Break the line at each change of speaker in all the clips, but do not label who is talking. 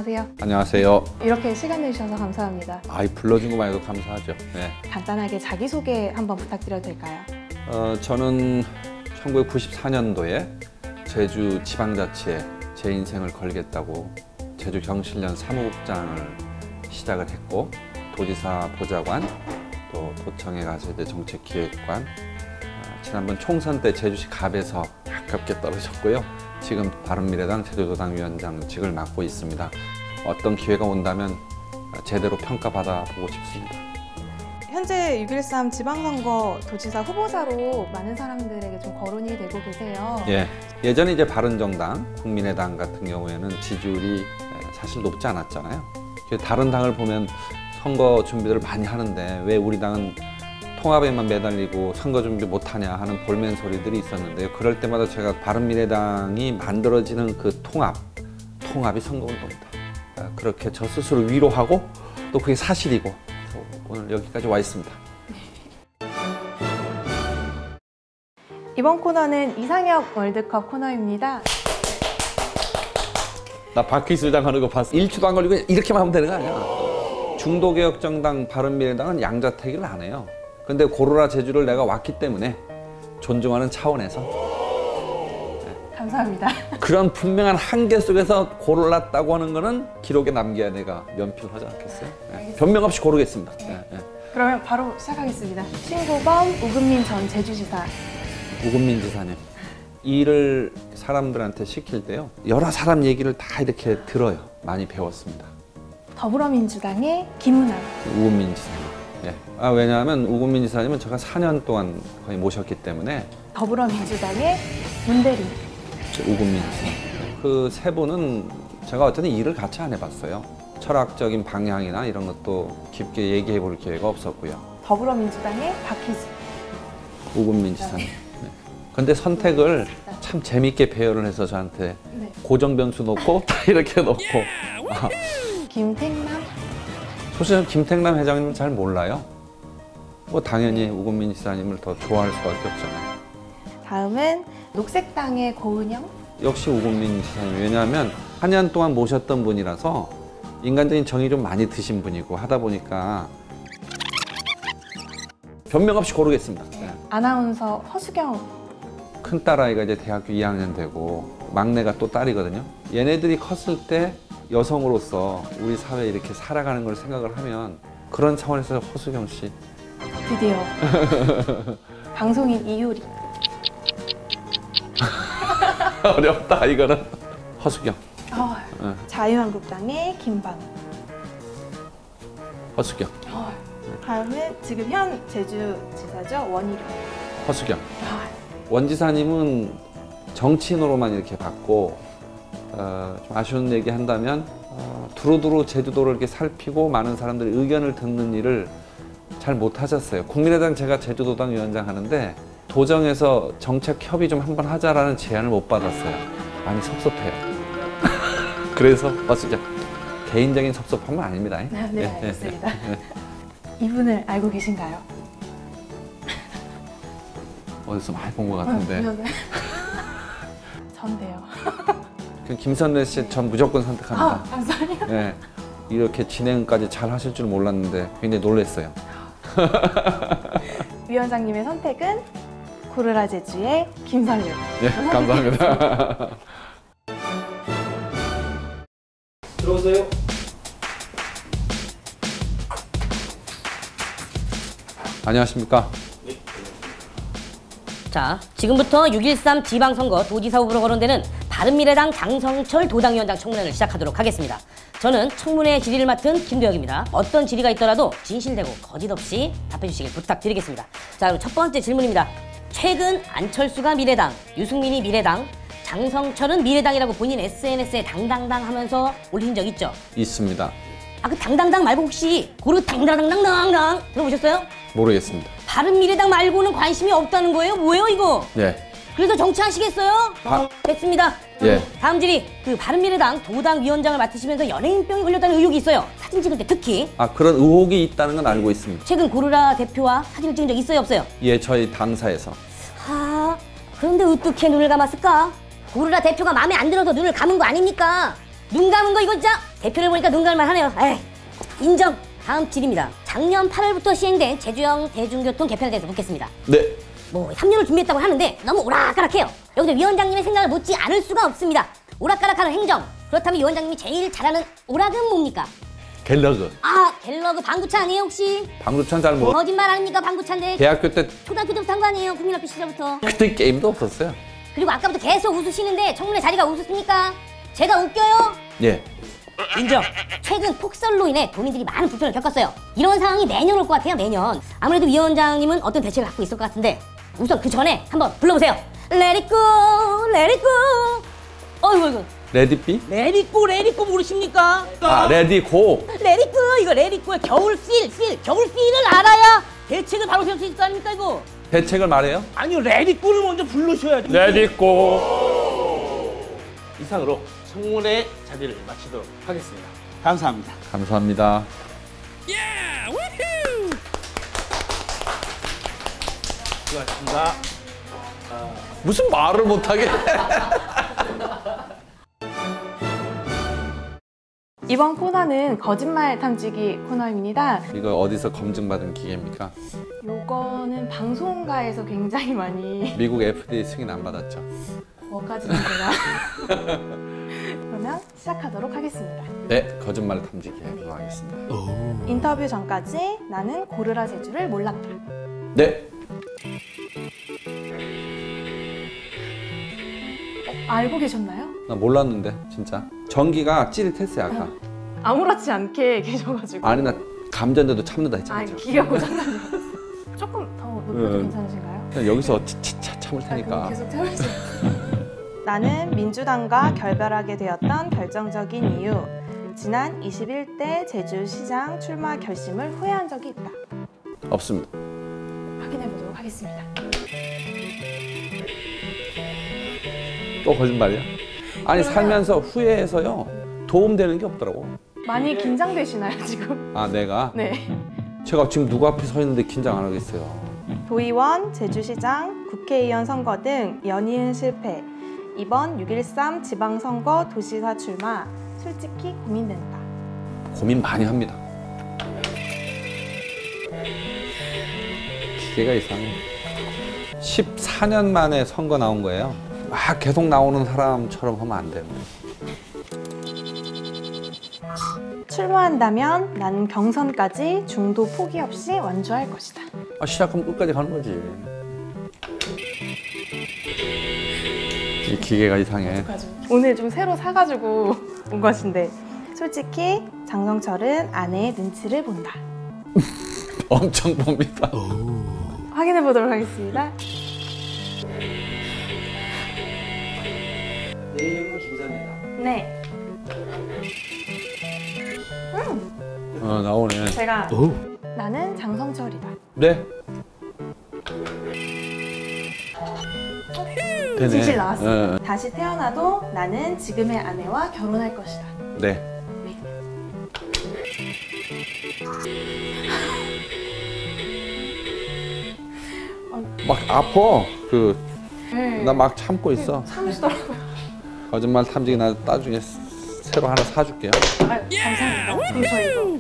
안녕하세요.
안녕하세요.
이렇게 시간 내주셔서 감사합니다.
불러준 것만 해도 감사하죠. 네.
간단하게 자기소개 한번 부탁드려도 될까요?
저는 1994년도에 제주 지방자치에 제 인생을 걸겠다고 제주 경실련 사무국장을 시작을 했고, 도지사 보좌관, 또 도청에 가서 이제 정책기획관, 지난번 총선 때 제주시 갑에서 아깝게 떨어졌고요. 지금 바른미래당 제주도당 위원장직을 맡고 있습니다. 어떤 기회가 온다면 제대로 평가받아 보고 싶습니다.
현재 6.13 지방선거 도지사 후보자로 많은 사람들에게 좀 거론이 되고 계세요.
예전에 이제 바른정당, 국민의당 같은 경우에는 지지율이 사실 높지 않았잖아요. 다른 당을 보면 선거 준비를 많이 하는데 왜 우리 당은 통합에만 매달리고 선거 준비 못하냐 하는 볼멘 소리들이 있었는데요. 그럴 때마다 제가 바른미래당이 만들어지는 그 통합이 선거운동이다. 그렇게 저 스스로 위로하고 또 그게 사실이고 오늘 여기까지 와 있습니다.
이번 코너는 이상혁 월드컵 코너입니다.
나 바퀴 주장 하는 거 봤어. 1초도 안 걸리고 이렇게만 하면 되는 거 아니야. 중도개혁정당 바른미래당은 양자택일을 안 해요. 근데 고르라 제주를 내가 왔기 때문에 존중하는 차원에서
감사합니다.
그런 분명한 한계 속에서 고르랐다고 하는 거는 기록에 남겨야 내가 면피를 하지 않겠어요? 변명 없이 고르겠습니다.
그러면 바로 시작하겠습니다. 신고범 우금민 전 제주지사.
우금민 지사님, 일을 사람들한테 시킬 때요, 여러 사람 얘기를 다 이렇게 들어요. 많이 배웠습니다.
더불어민주당의 김은아.
우금민 지사님. 왜냐하면 우금민 지사님은 제가 4년 동안 거의 모셨기 때문에.
더불어민주당의 문대리.
우금민 지사. 그 세 분은 제가 어쨌든 일을 같이 안 해봤어요. 철학적인 방향이나 이런 것도 깊게 얘기해 볼 기회가 없었고요.
더불어민주당의 박희수.
우금민 지사님. 근데 선택을 참 재밌게 배열을 해서 저한테 고정 변수 놓고 다 이렇게 놓고.
김택남.
사실 김택남 회장님은 잘 몰라요. 당연히 우금민 지사님을 더 좋아할 수밖에 없잖아요.
다음은 녹색당의 고은영.
역시 우금민 지사님. 왜냐하면 4년 동안 모셨던 분이라서 인간적인 정이 좀 많이 드신 분이고 하다 보니까 변명 없이 고르겠습니다.
아나운서 허수경.
큰 딸아이가 이제 대학교 2학년 되고 막내가 또 딸이거든요. 얘네들이 컸을 때 여성으로서 우리 사회에 이렇게 살아가는 걸 생각을 하면 그런 차원에서 허수경 씨.
드디어. 방송인 이효리.
어렵다 이거는. 허수경.
자유한국당의 김방우.
허수경.
다음은 지금 현 제주지사죠. 원희룡.
허수경. 원 지사님은 정치인으로만 이렇게 봤고, 좀 아쉬운 얘기 한다면 두루두루 제주도를 이렇게 살피고 많은 사람들의 의견을 듣는 일을 잘 못하셨어요. 국민의당 제가 제주도당 위원장 하는데 도정에서 정책 협의 좀 한번 하자라는 제안을 못 받았어요. 많이 섭섭해요. 그래서 허수경. 개인적인 섭섭함은 아닙니다.
네, 알겠습니다. 이분을 알고 계신가요?
어디서 많이 본 것 같은데.
전데요.
김선래 씨 전 무조건 선택합니다.
감사합니다.
이렇게 진행까지 잘 하실 줄 몰랐는데 굉장히 놀랐어요.
위원장님의 선택은 고르라 제주의 김선래.
감사합니다. 들어오세요. 안녕하십니까.
자, 지금부터 6.13 지방선거 도지사 후보로 거론되는 바른미래당 장성철 도당위원장 청문회를 시작하도록 하겠습니다. 저는 청문회 질의를 맡은 김도혁입니다. 어떤 질의가 있더라도 진실되고 거짓 없이 답해주시길 부탁드리겠습니다. 자, 그럼 첫 번째 질문입니다. 최근 안철수가 미래당, 유승민이 미래당, 장성철은 미래당이라고 본인 SNS에 당당당 하면서 올린 적 있죠?
있습니다.
그 당당당 말고 혹시 고르 당당당당당 들어보셨어요?
모르겠습니다.
바른미래당 말고는 관심이 없다는 거예요? 뭐예요 이거? 그래서 정치하시겠어요? 됐습니다. 다음 질의. 바른미래당 도당 위원장을 맡으시면서 연예인병이 걸렸다는 의혹이 있어요. 사진 찍을 때 특히.
그런 의혹이 있다는 건 알고 있습니다.
최근 고르라 대표와 사진을 찍은 적 있어요 없어요?
저희 당사에서.
그런데 어떻게 눈을 감았을까? 고르라 대표가 마음에 안 들어서 눈을 감은 거 아닙니까? 눈 감은 거 이거 진짜 대표를 보니까 눈 감을 하네요. 에이, 인정. 다음 질입니다. 작년 8월부터 시행된 제주형 대중교통 개편에 대해서 묻겠습니다.
네.
뭐 3년을 준비했다고 하는데 너무 오락가락해요. 여기서 위원장님의 생각을 묻지 않을 수가 없습니다. 오락가락하는 행정. 그렇다면 위원장님이 제일 잘하는 오락은 뭡니까?
갤러그.
아, 갤러그 방구차 아니에요 혹시?
방구찬 잘 모르.
거짓말 아닙니까 방구차인데?
대학교 때
초등학교 때부터 한 거 아니에요? 국민학교 시절부터.
그때 게임도 없었어요.
그리고 아까부터 계속 웃으시는데 청문회 자리가 웃으십니까? 제가 웃겨요?
예.
인정. 최근 폭설로 인해 도민들이 많은 불편을 겪었어요. 이런 상황이 매년 올 것 같아요, 매년. 아무래도 위원장님은 어떤 대책을 갖고 있을 것 같은데 우선 그 전에 한번 불러보세요. Let it go, let it go. 어이구.
레디비?
Let it go, let it go 모르십니까?
아, 레디고.
Let it go, 이거 let it go의 겨울 필. 겨울 필을 알아야 대책을 바로 세울 수 있을 거 아닙니까, 이거?
대책을 말해요?
아니요, 레디꼬를 먼저 부르셔야죠.
레디고.
이상으로 청문회 자리를 마치도록 하겠습니다. 감사합니다.
감사합니다.
수고하셨습니다.
무슨 말을 못하게.
이번 코너는 거짓말 탐지기 코너입니다.
이거 어디서 검증받은 기계입니까?
요거는 방송가에서 굉장히 많이
미국 FDA 승인 안 받았죠.
뭐까지는 제가 그러면 시작하도록 하겠습니다.
네, 거짓말 탐지기 해보도록 하겠습니다.
인터뷰 전까지 나는 고르라 제주를 몰랐다.
네.
알고 계셨나요?
나 몰랐는데 진짜. 전기가 찌릿했어요 아까.
아무렇지 않게 계셔가지고.
아니 나 감전돼도 참는다 했잖아.
기가 고장난 줄 알았어요. 조금 더 높여도 괜찮으신가요?
그냥 여기서 차차 참을
그럼
테니까.
계속 태워주세요. 나는 민주당과 결별하게 되었던 결정적인 이유. 지난 21대 제주시장 출마 결심을 후회한 적이 있다.
없습니다.
확인해 보도록 하겠습니다.
또 거짓말이야? 아니 살면서 후회해서요 도움되는 게 없더라고.
많이 긴장되시나요 지금?
아 내가?
네.
제가 지금 누구 앞에 서 있는데 긴장 안 하겠어요.
도의원, 제주시장, 국회의원 선거 등 연이은 실패. 이번 6.13 지방선거 도지사 출마. 솔직히 고민된다.
고민 많이 합니다. 기계가 이상해. 14년 만에 선거 나온 거예요. 막 계속 나오는 사람처럼 하면 안 돼요.
출마한다면 나는 경선까지 중도 포기 없이 완주할 것이다.
아, 시작하면 끝까지 가는 거지. 이 기계가 이상해.
오늘 좀 새로 사가지고 온 것인데 솔직히 장성철은 아내의 눈치를 본다.
엄청 봅니다.
확인해 보도록 하겠습니다.
내 이름은 김선이다.
네.
나오네.
제가 나는 장성철이다.
네. 되네.
진실 나왔습니다. 다시 태어나도 나는 지금의 아내와 결혼할 것이다.
네. 막 아파. 나 막 참고 있어.
참으시더라고요.
거짓말 탐지기 나 나중에 새로 하나 사줄게요.
감사합니다. 그럼 저 이거.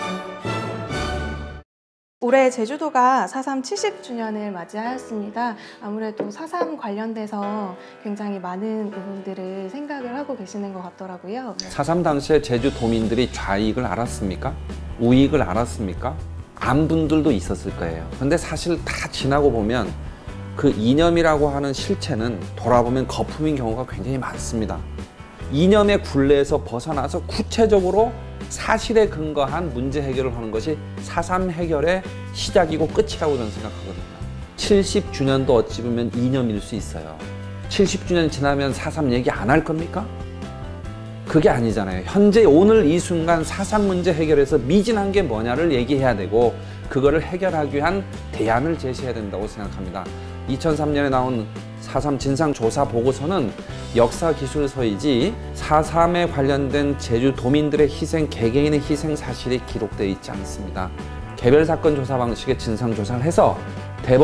올해 제주도가 4.3 70주년을 맞이하였습니다. 아무래도 4.3 관련돼서 굉장히 많은 부분들을 생각을 하고 계시는 것 같더라고요.
4.3 당시에 제주 도민들이 좌익을 알았습니까? 우익을 알았습니까? 안 분들도 있었을 거예요. 근데 사실 다 지나고 보면 그 이념이라고 하는 실체는 돌아보면 거품인 경우가 굉장히 많습니다. 이념의 굴레에서 벗어나서 구체적으로 사실에 근거한 문제 해결을 하는 것이 4.3 해결의 시작이고 끝이라고 저는 생각하거든요. 70주년도 어찌 보면 이념일 수 있어요. 70주년 지나면 4.3 얘기 안 할 겁니까? 그게 아니잖아요. 현재 오늘 이 순간 4.3 문제 해결에서 미진한 게 뭐냐를 얘기해야 되고 그거를 해결하기 위한 대안을 제시해야 된다고 생각합니다. 2003년에 나온 4.3 진상조사 보고서는 역사기술서이지 4.3에 관련된 제주 도민들의 희생, 개개인의 희생 사실이 기록되어 있지 않습니다. 개별 사건 조사 방식의 진상조사를 해서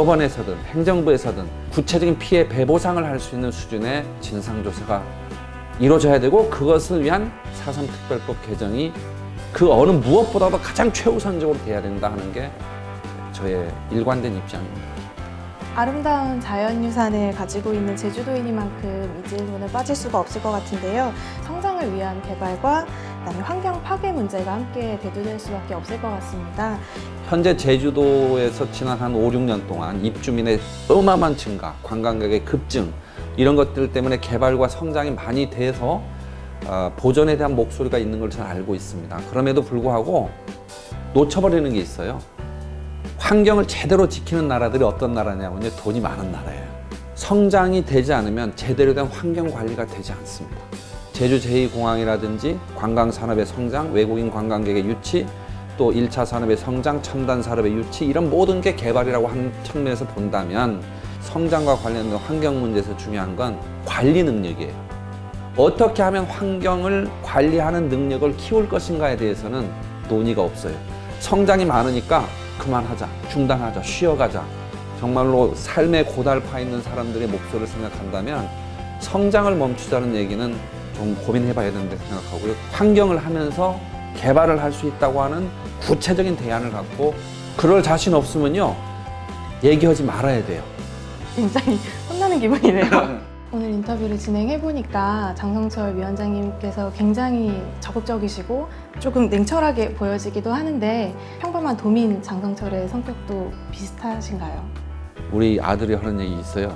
대법원에서든 행정부에서든 구체적인 피해 배보상을 할 수 있는 수준의 진상조사가 이루어져야 되고 그것을 위한 4.3 특별법 개정이 그 어느 무엇보다도 가장 최우선적으로 돼야 된다 하는 게 저의 일관된 입장입니다.
아름다운 자연유산을 가지고 있는 제주도이니만큼 이 질문에 빠질 수가 없을 것 같은데요. 성장을 위한 개발과 그다음에 환경 파괴 문제가 함께 대두될 수밖에 없을 것 같습니다.
현재 제주도에서 지난 한 5, 6년 동안 입주민의 어마어마한 증가, 관광객의 급증 이런 것들 때문에 개발과 성장이 많이 돼서 보존에 대한 목소리가 있는 걸 잘 알고 있습니다. 그럼에도 불구하고 놓쳐버리는 게 있어요. 환경을 제대로 지키는 나라들이 어떤 나라냐면요, 돈이 많은 나라예요. 성장이 되지 않으면 제대로 된 환경 관리가 되지 않습니다. 제주 제2공항이라든지 관광산업의 성장, 외국인 관광객의 유치, 또 1차 산업의 성장, 첨단 산업의 유치 이런 모든 게 개발이라고 하는 측면에서 본다면 성장과 관련된 환경 문제에서 중요한 건 관리 능력이에요. 어떻게 하면 환경을 관리하는 능력을 키울 것인가에 대해서는 논의가 없어요. 성장이 많으니까 그만하자, 중단하자, 쉬어가자. 정말로 삶에 고달파 있는 사람들의 목소리를 생각한다면 성장을 멈추자는 얘기는 좀 고민해봐야 된다고 생각하고요. 환경을 하면서 개발을 할 수 있다고 하는 구체적인 대안을 갖고 그럴 자신 없으면요, 얘기하지 말아야 돼요.
굉장히 혼나는 기분이네요. 오늘 인터뷰를 진행해보니까 장성철 위원장님께서 굉장히 적극적이시고 조금 냉철하게 보여지기도 하는데 평범한 도민 장성철의 성격도 비슷하신가요?
우리 아들이 하는 얘기 있어요.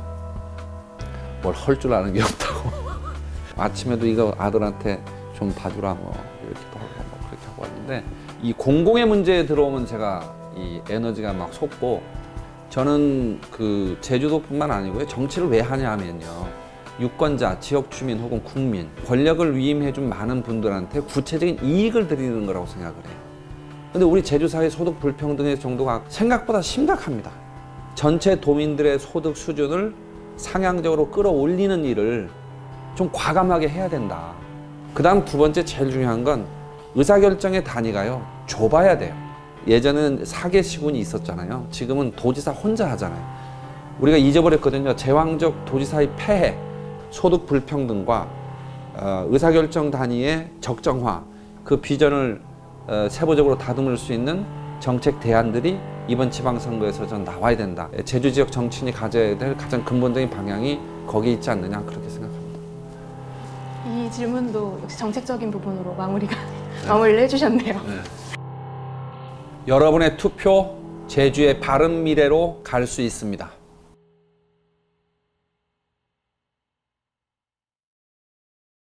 뭘 할 줄 아는 게 없다고. 아침에도 이거 아들한테 좀 봐주라 뭐 이렇게도 하고 뭐 그렇게 하고 왔는데 이 공공의 문제에 들어오면 제가 이 에너지가 막 솟고 저는 그 제주도뿐만 아니고요. 정치를 왜 하냐 하면요. 유권자, 지역 주민 혹은 국민, 권력을 위임해준 많은 분들한테 구체적인 이익을 드리는 거라고 생각을 해요. 근데 우리 제주사회 소득 불평등의 정도가 생각보다 심각합니다. 전체 도민들의 소득 수준을 상향적으로 끌어올리는 일을 좀 과감하게 해야 된다. 그 다음 두 번째 제일 중요한 건 의사결정의 단위가요, 좁아야 돼요. 예전에는 4개 시군이 있었잖아요. 지금은 도지사 혼자 하잖아요. 우리가 잊어버렸거든요. 제왕적 도지사의 폐해, 소득 불평등과 의사결정 단위의 적정화, 그 비전을 세부적으로 다듬을 수 있는 정책 대안들이 이번 지방선거에서 전 나와야 된다. 제주 지역 정치인이 가져야 될 가장 근본적인 방향이 거기에 있지 않느냐 그렇게 생각합니다.
이 질문도 역시 정책적인 부분으로 마무리를 해주셨네요.
네. 여러분의 투표 제주의 바른 미래로 갈 수 있습니다.